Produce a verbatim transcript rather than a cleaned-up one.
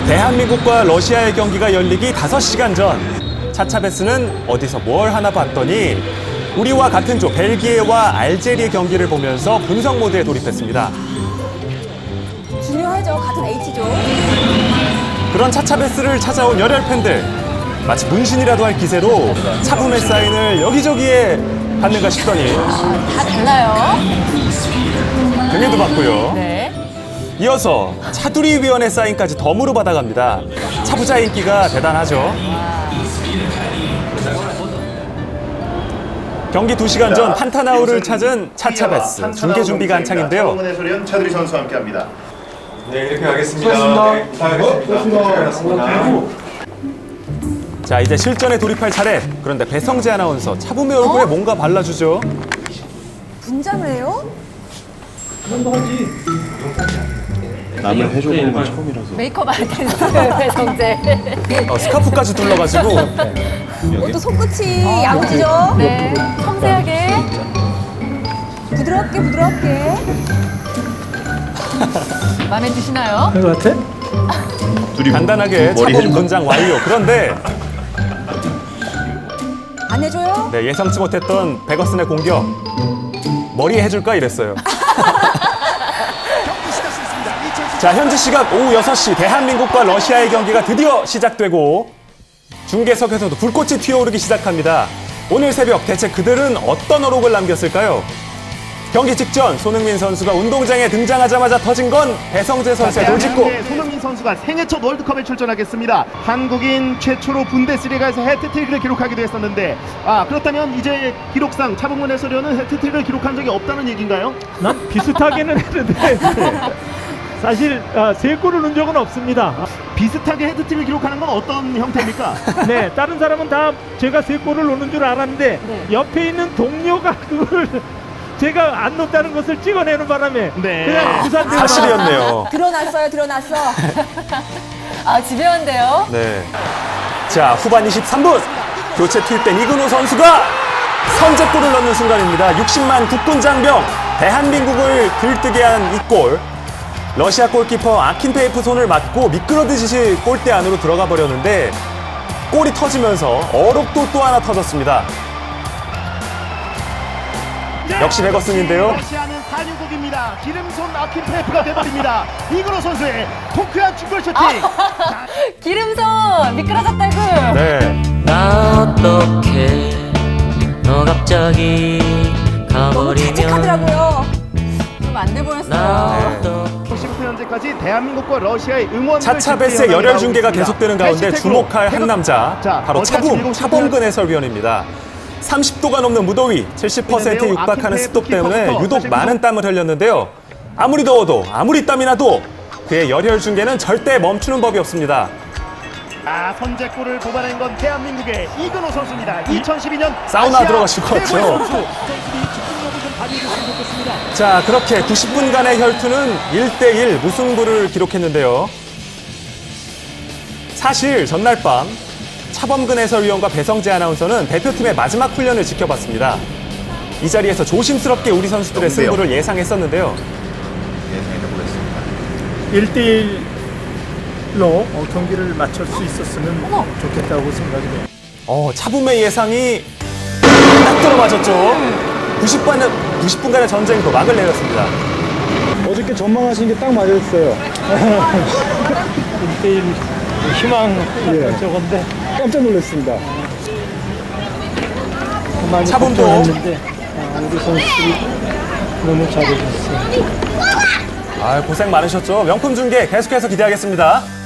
대한민국과 러시아의 경기가 열리기 다섯 시간 전 차차베스는 어디서 뭘 하나 봤더니 우리와 같은 조 벨기에와 알제리의 경기를 보면서 분석 모드에 돌입했습니다. 중요하죠. 같은 H조. 그런 차차베스를 찾아온 열혈 팬들, 마치 문신이라도 할 기세로 차붐의 사인을 여기저기에 받는가 싶더니 다 달라요. 등에도 받고요. 네. 이어서 차두리 위원의 사인까지 덤으로 받아갑니다. 차부자 인기가 대단하죠. 경기 두 시간 전 판타나우를 찾은 차차베스 중계 준비가 한창인데요. 해설위원 차두리 선수와 함께합니다. 네, 이렇게 하겠습니다. 네, 부탁드리겠습니다. 자, 이제 실전에 돌입할 차례. 그런데 배성재 아나운서 차붐의 얼굴에 어? 뭔가 발라주죠. 분장을 해요? 남을 해줘보는 건 처음이라서. 메이크업 아티스트 배성재. 어, 스카프까지 둘러가지고 이것도 손끝이 야무지죠? 네, 섬세하게. 부드럽게 부드럽게. 마음에 드시나요? 그런 것 같아? 간단하게 머리 차붐 해줄까? 분장 완료. 그런데 안 해줘요? 네, 예상치 못했던 베거슨의 공격. 머리 해줄까 이랬어요. 자, 현지 시각 오후 여섯 시 대한민국과 러시아의 경기가 드디어 시작되고 중계석에서도 불꽃이 튀어오르기 시작합니다. 오늘 새벽 대체 그들은 어떤 어록을 남겼을까요? 경기 직전 손흥민 선수가 운동장에 등장하자마자 터진 건 배성재 선수의 돌직구. 대한민국의 손흥민 선수가 생애 첫 월드컵에 출전하겠습니다. 한국인 최초로 분데스리가에서 해트트릭을 기록하기도 했었는데, 아 그렇다면 이제 기록상 차범근 해설위원은 해트트릭을 기록한 적이 없다는 얘기인가요? 난 비슷하게는 했는데 사실 아, 세 골을 넣은 적은 없습니다. 비슷하게 헤드트릭을 기록하는 건 어떤 형태입니까? 네, 다른 사람은 다 제가 세 골을 넣는 줄 알았는데 네. 옆에 있는 동료가 그걸 제가 안 넣었다는 것을 찍어내는 바람에 네. 그냥 부산대로 사실이었네요. 드러났어요 드러났어. 아, 집요한데요? 네. 자, 후반 이십삼 분 교체 투입된 이근호 선수가 선제골을 넣는 순간입니다. 육십만 국군 장병 대한민국을 들뜨게 한 이 골. 러시아 골키퍼 아킨페이프 손을 맞고 미끄러지듯이 골대 안으로 들어가 버렸는데 골이 터지면서 어록도 또 하나 터졌습니다. 역시 베거슨인데요. 러시아는 산유국입니다. 기름손 아킨페이프가 돼버립니다. 이근호 선수의 통쾌한 중골 슈팅. 자, 기름손! 미끄러졌다고! 네. 나 어떡해 너 갑자기 너무 가버리면 자책하더라고요. 좀 안 돼 보였어요. 나 어떡해 구십구 년째까지 대한민국과 러시아의 응원 차차베스의 열혈 중계가 계속되는 가운데 주목할 한 남자, 자, 바로 어제 아침 차붐, 일곱 시 차범근 해설위원입니다. 삼십 도가 넘는 무더위, 칠십 퍼센트에 육박하는 습도 때문에 유독 많은 땀을 흘렸는데요. 아무리 더워도, 아무리 땀이 나도 그의 열혈 중계는 절대 멈추는 법이 없습니다. 아, 선제골을 뽑아낸 건 대한민국의 이근호 선수입니다. 이천십이 년 사우나 아시아 들어가실 것 같죠? 최고의 선수. 선수들이 집중력을 좀 발휘해줬으면 좋겠습니다. 자, 그렇게 구십 분간의 혈투는 일 대 일 무승부를 기록했는데요. 사실 전날 밤 차범근 해설위원과 배성재 아나운서는 대표팀의 마지막 훈련을 지켜봤습니다. 이 자리에서 조심스럽게 우리 선수들의 영대요. 승부를 예상했었는데요. 일 대 일로 경기를 마칠 수 있었으면 좋겠다고 생각이 돼요. 어, 차붐의 예상이 딱 들어맞았죠. 구십 분간의, 구십 분간의 전쟁도 막을 내렸습니다. 어저께 전망하신 게 딱 맞았어요. 일 대 일 희망 저건데 깜짝 놀랐습니다. 많이 차범도. 걱정했는데 아, 우리 선수들이 너무 잘해줬어요. 아, 고생 많으셨죠. 명품 중계 계속해서 기대하겠습니다.